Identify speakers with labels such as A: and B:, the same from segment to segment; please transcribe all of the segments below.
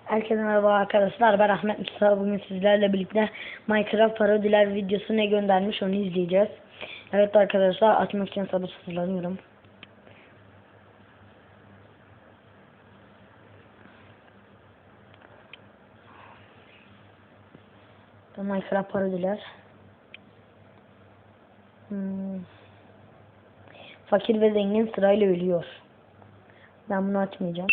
A: Herkese merhaba arkadaşlar, ben Ahmet Mustafa. Bugün sizlerle birlikte Minecraft parodiler videosu ne göndermiş onu izleyeceğiz. Evet arkadaşlar, açmak için sabırsızlanıyorum. Minecraft parodiler. Fakir ve zengin sırayla ölüyor. Ben bunu açmayacağım.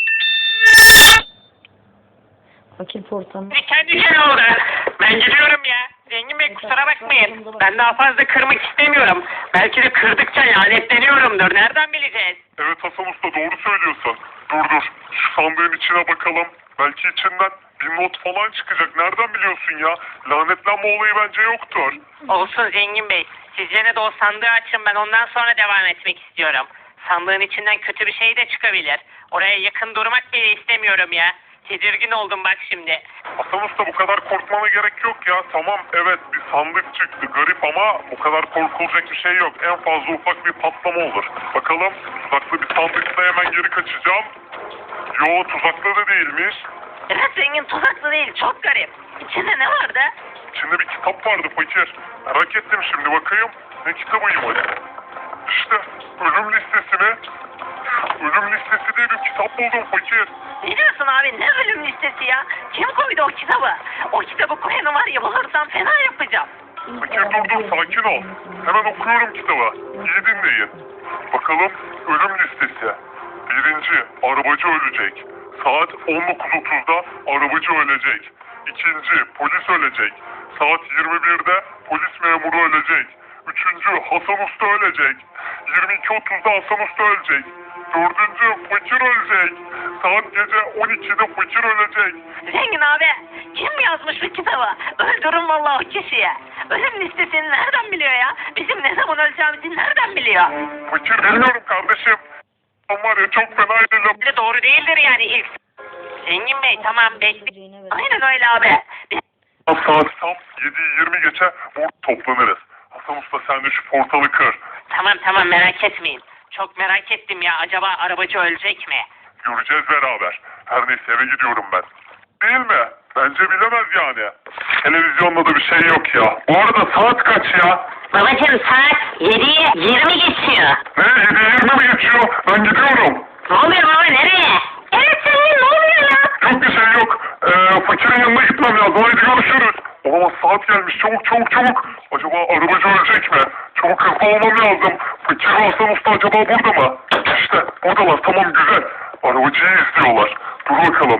A: Fakir portam.
B: Kendi şey oldu. Ben gidiyorum ya. Zengin Bey kusura bakmayın. Ben daha fazla kırmak istemiyorum. Belki de kırdıkça lanetleniyorumdur. Nereden bileceğiz?
C: Evet Hasan Usta, doğru söylüyorsun. Dur. Şu sandığın içine bakalım. Belki içinden bir not falan çıkacak. Nereden biliyorsun ya? Lanetlenme olayı bence yoktur.
B: Olsun Zengin Bey. Siz yine de o sandığı açın, ben ondan sonra devam etmek istiyorum. Sandığın içinden kötü bir şey de çıkabilir. Oraya yakın durmak bile istemiyorum ya. Tedirgin oldum bak şimdi.
C: Hasan Usta, bu kadar korkmana gerek yok ya. Tamam, evet, bir sandık çıktı. Garip ama o kadar korkulacak bir şey yok. En fazla ufak bir patlama olur. Bakalım, tuzaklı bir sandıkta hemen geri kaçacağım. Yo, tuzaklı da değilmiş.
B: Evet Zengin, tuzaklı değil, çok garip. İçinde ne vardı?
C: İçinde bir kitap vardı fakir. Merak ettim şimdi, bakayım. Ne kitabıymış? İşte ölüm listesi mi? Ölüm listesi diye bir kitap buldum fakir.
B: Ne diyorsun abi, ne ölüm listesi ya? Kim koydu o kitabı? O kitabı koyanı var ya, bulursam fena yapacağım.
C: Fakir dur, sakin ol. Hemen okuyorum kitabı. İyi dinleyin. Bakalım, ölüm listesi. 1. Arabacı ölecek. Saat 19.30'da arabacı ölecek. 2. Polis ölecek. Saat 21'de polis memuru ölecek. 3. Hasan Usta ölecek. 22.30'da Hasan Usta ölecek. 4. Fakir ölecek. Saat gece 12'de fakir ölecek.
B: Zengin abi, kim yazmış bu kitabı? Öldürün vallahi o kişiyi. Ölüm listesini nereden biliyor ya? Bizim ne zaman öleceğimizi nereden biliyor?
C: Fakir bilmiyorum kardeşim. Ama var ya, çok fena edeceğim.
B: Bir de doğru değildir yani ilk. Zengin Bey tamam, bekle. Aynen öyle abi.
C: Saat tam 7:20 geçe burada toplanırız. Hasan Usta, sen de şu portalı kır.
B: Tamam merak etmeyin. Çok merak ettim ya, acaba arabacı ölecek mi?
C: Göreceğiz beraber. Her neyse, eve gidiyorum ben. Değil mi? Bence bilemez yani. Televizyonda da bir şey yok ya. Bu arada saat kaç ya?
B: Babacım saat 7'yi 20 geçiyor.
C: Ne? 7:20 mi geçiyor? Ben gidiyorum.
B: Ne oluyor baba, nereye? Evet senin, ne oluyor ya?
C: Yok bir şey yok. Fakirin yanına gitmem lazım. Haydi görüşürüz. Olamaz, saat gelmiş. Çabuk. Acaba arabacı ölecek mi? Çabuk hızlı olmam lazım. Fakir ve Hasan Usta acaba burada mı? İşte buradalar. Tamam, güzel. Arabacıyı izliyorlar. Dur bakalım.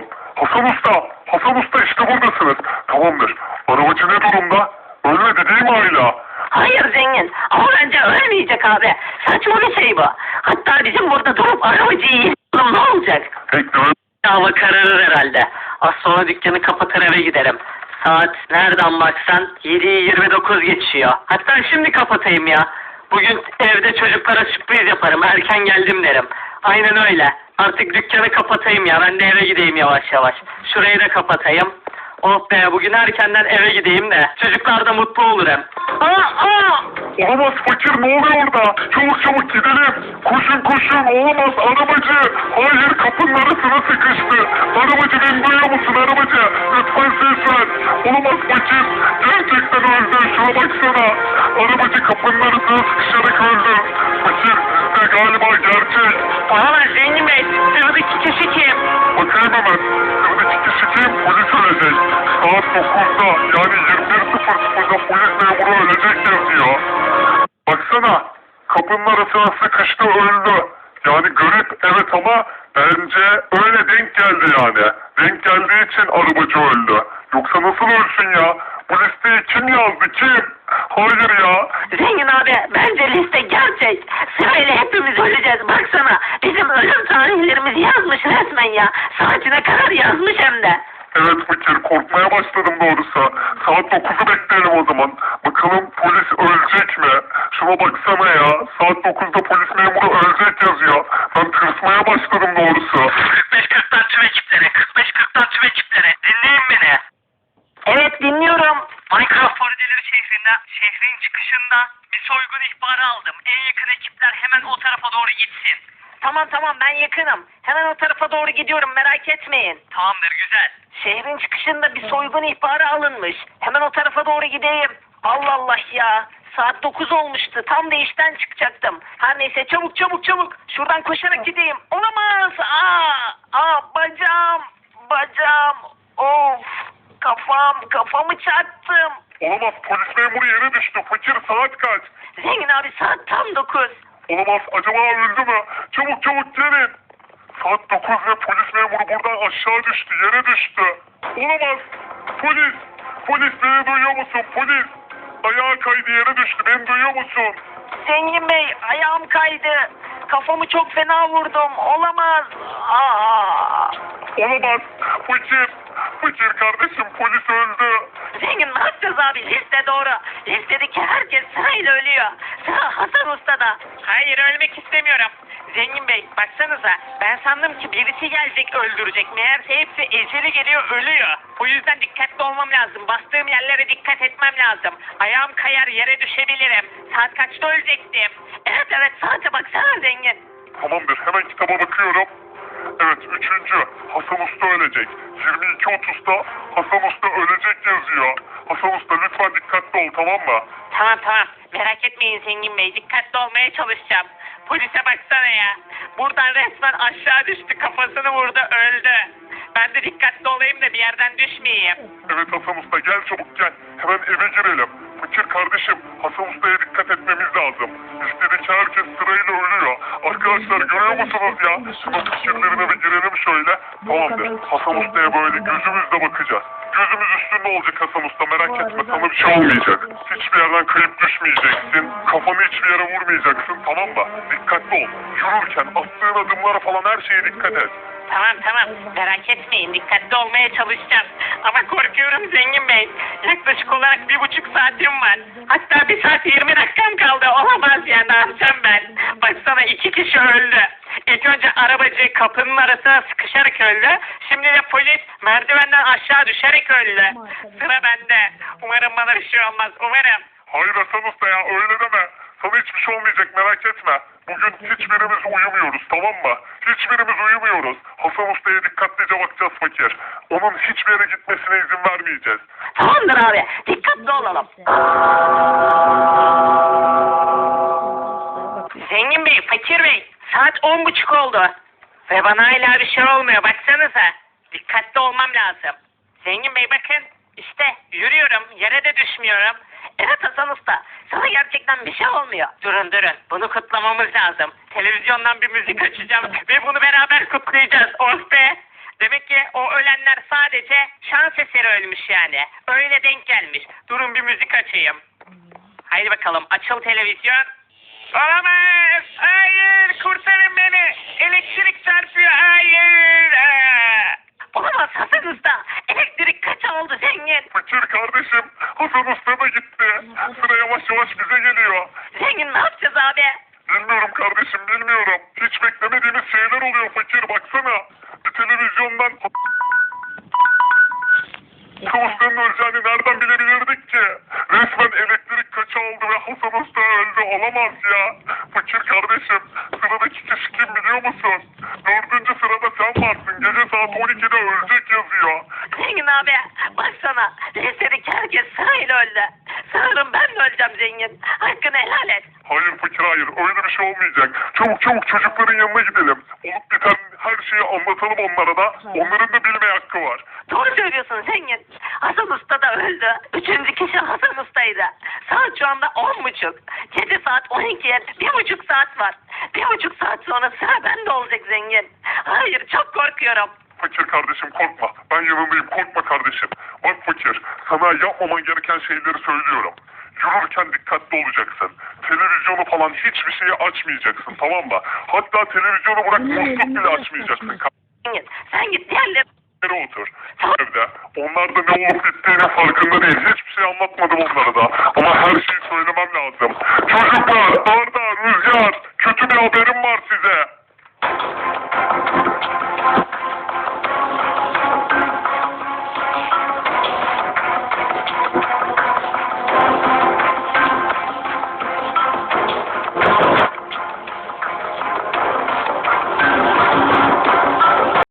C: Hasan Usta işte buradasınız. Tamamdır. Arabacı ne durumda? Ölmedi değil mi hala?
B: Hayır zengin, ama bence ölmeyecek abi. Saçma bir şey bu. Hatta bizim burada durup arabacıyı izleyelim, ne olacak?
C: Bekle.
B: Hava kararır herhalde. Az sonra dükkanı kapatır eve giderim. Saat nereden baksan 7'yi 29 geçiyor. Hatta şimdi kapatayım ya. Bugün evde çocuklara sürpriz yaparım. Erken geldim derim. Aynen öyle. Artık dükkanı kapatayım ya. Ben de eve gideyim yavaş yavaş. Şurayı da kapatayım. Oh be, bugün erkenden eve gideyim de çocuklar da mutlu olur hem.
C: Olamaz fakir, ne oluyor orada? Çabuk gidelim. Koşun, olamaz arabacı. Hayır, kapının arasına sıkıştı. Arabacı, beni duyuyor musun arabacı? Lütfen ses ver. Olamaz fakir. Gerçekten öldü, şuna baksana. Arabacı kapının arasına sıkışarak öldü. Fakir, galiba gerçek.
B: Olamaz zengin bey. Sıradaki kişi kim?
C: Bakayım hemen. Sıradaki kişi kim? Polis ölecek. Saat 9'da yani 21.00'da polis memuru ölecek yazıyor. Baksana, kapının arasına sıkıştı, öldü. Yani garip evet, ama bence öyle denk geldi yani. Denk geldiği için arabacı öldü. Yoksa nasıl ölsün ya? Bu listeyi kim yazdı, kim? Hayır ya.
B: Zengin abi, bence liste gerçek. Sırayla hepimiz öleceğiz. Baksana, bizim ölüm tarihlerimizi yazmış resmen ya. Saatine kadar yazmış hem de.
C: Evet fakir, korkmaya başladım doğrusu. Saat 9'u bekleyelim o zaman. Bakalım polis ölecek mi? Şuna baksana ya. Saat 9'da polis memuru ölecek yazıyor. Ben tırsmaya başladım doğrusu.
B: 45-40'tan tüm ekipleri. 45-40'tan tüm ekipleri. Dinleyin beni. Evet dinliyorum. Minecraft parodileri şehrin çıkışında bir soygun ihbarı aldım. En yakın ekipler hemen o tarafa doğru gitsin. Tamam ben yakınım. Hemen o tarafa doğru gidiyorum merak etmeyin. Tamamdır güzel. Şehrin çıkışında bir soygun ihbarı alınmış. Hemen o tarafa doğru gideyim. Allah Allah ya. Saat 9 olmuştu. Tam da işten çıkacaktım. Her neyse çabuk. Şuradan koşarak gideyim. Olamaz. Bacağım. Of. Kafamı çarptım.
C: Olamaz, polis memuru yere düştü. Fakir, saat kaç?
B: Zengin abi saat tam 9.
C: Olamaz, acaba öldü mü? Çabuk gelin. Saat 9 ve polis memuru buradan aşağı düştü, yere düştü. Olamaz. Polis beni duyuyor musun? Polis. Ayağı kaydı, yere düştü. Beni duyuyor musun?
B: Zengin Bey ayağım kaydı. Kafamı çok fena vurdum. Olamaz.
C: Olamaz. Fakir kardeşim, polis öldü.
B: Zengin ne yapacağız abi? Liste doğru. Listedeki herkes sırayla ölüyor. Sıra Hasan Usta'da. Hayır ölmek istemiyorum. Zengin Bey baksanıza ben sandım ki birisi gelecek öldürecek. Meğerse hepsi eceli geliyor ölüyor. O yüzden dikkatli olmam lazım. Bastığım yerlere dikkat etmem lazım. Ayağım kayar yere düşebilirim. Saat kaçta ölecektim? Evet saate baksana zengin.
C: Tamamdır, hemen kitaba bakıyorum. Evet, 3. Hasan Usta ölecek. 22.30'da Hasan Usta ölecek yazıyor. Hasan Usta lütfen dikkatli ol, tamam mı?
B: Tamam. Merak etmeyin Zengin Bey. Dikkatli olmaya çalışacağım. Polise baksana ya. Buradan resmen aşağı düştü. Kafasını vurdu öldü. Ben de dikkatli olayım da bir yerden düşmeyeyim.
C: Evet Hasan Usta, gel çabuk gel. Hemen eve girelim. Fakir kardeşim, Hasan Usta'ya dikkat etmemiz lazım. Listedeki herkes sırayla ölüyor. Arkadaşlar görüyor musunuz ya? Şunun fikirlerine bir girelim şöyle. Tamamdır. Hasan Usta'ya böyle gözümüzle bakacağız. Gözümüz üstünde olacak Hasan Usta, merak etme, sana bir şey olmayacak. Hiçbir yerden kayıp düşmeyeceksin. Kafanı hiçbir yere vurmayacaksın, tamam mı? Dikkatli ol. Yürürken attığın adımlara falan her şeye dikkat et.
B: Tamam. Merak etmeyin. Dikkatli olmaya çalışacağım. Ama korkuyorum Zengin Bey. Yaklaşık olarak 1,5 saatim var. Hatta 1 saat 20 dakikam kaldı. Olamaz ya, ne yapacağım ben? Baksana 2 kişi öldü. İlk önce arabacı kapının arasına sıkışarak öldü. Şimdi de polis merdivenden aşağı düşerek öldü. Sıra bende. Umarım bana bir şey olmaz. Umarım.
C: Hayır Hasan Usta ya, öyle deme. Sana hiçbir şey olmayacak, merak etme. Bugün hiçbirimiz uyumuyoruz, tamam mı? Hiçbirimiz uyumuyoruz. Hasan Usta'ya dikkatlice bakacağız fakir. Onun hiçbir yere gitmesine izin vermeyeceğiz.
B: Tamamdır abi. Dikkatli olalım. Zengin Bey, Fakir Bey. Saat 10.30 oldu. Ve bana hala bir şey olmuyor. Baksanıza. Dikkatli olmam lazım. Zengin Bey bakın. İşte yürüyorum. Yere de düşmüyorum. Evet Hasan Usta. Sana gerçekten bir şey olmuyor. Durun. Bunu kutlamamız lazım. Televizyondan bir müzik açacağım. Ve bunu beraber kutlayacağız. Oh be. Demek ki o ölenler sadece şans eseri ölmüş yani. Öyle denk gelmiş. Durun bir müzik açayım. Haydi bakalım. Açıl televizyon. Olamaz! Hayır! Kurtarın beni! Elektrik çarpıyor! Hayır! Olamaz Hasan Usta! Elektrik kaç oldu zengin?
C: Fakir kardeşim, Hasan Usta da gitti. Sıra yavaş bize geliyor.
B: Zengin ne yapacağız abi?
C: Bilmiyorum kardeşim, bilmiyorum. Hiç beklemediğimiz şeyler oluyor fakir, baksana. Bir televizyondan Hasan Usta'nın öleceğini nereden bilebilirdik ki? Resmen elektrik kaça oldu ve Hasan Usta öldü. Olamaz ya. Fakir kardeşim, sıradaki kişi kim biliyor musun? 4. sırada sen varsın. Gece saat 12'de ölecek yazıyor.
B: Zengin abi baksana. Listedeki herkes sırayla öldü. Sanırım ben de öleceğim zengin. Hakkını helal et.
C: Hayır fakir, hayır. Öyle bir şey olmayacak. Çabuk çocukların yanına gidelim. Olup biten her şeyi anlatalım onlara da. Onların da bilmeye hakkı var.
B: Doğru söylüyorsun zengin. Hasan Usta da öldü. 3. kişi Hasan Usta'ydı. Saat şu anda 10.30. Gece saat 12'ye 1,5 saat var. 1,5 saat sonra sıra bende olacak zengin. Hayır çok korkuyorum.
C: Fakir kardeşim korkma. Ben yanındayım, korkma kardeşim. Bak fakir, sana yapmaman gereken şeyleri söylüyorum. Yürürken dikkatli olacaksın. Televizyonu falan hiçbir şeyi açmayacaksın, tamam mı? Hatta televizyonu bırak, musluk bile açmayacaksın.
B: Zengin sen git diğerleri
C: Otur. Evde. Onlar da ne olup bittiğinin farkında değil. Hiçbir şey anlatmadım onlara da. Ama her şeyi söylemem lazım. Çocuklar, Arda, Rüzgar, kötü bir haberim var size.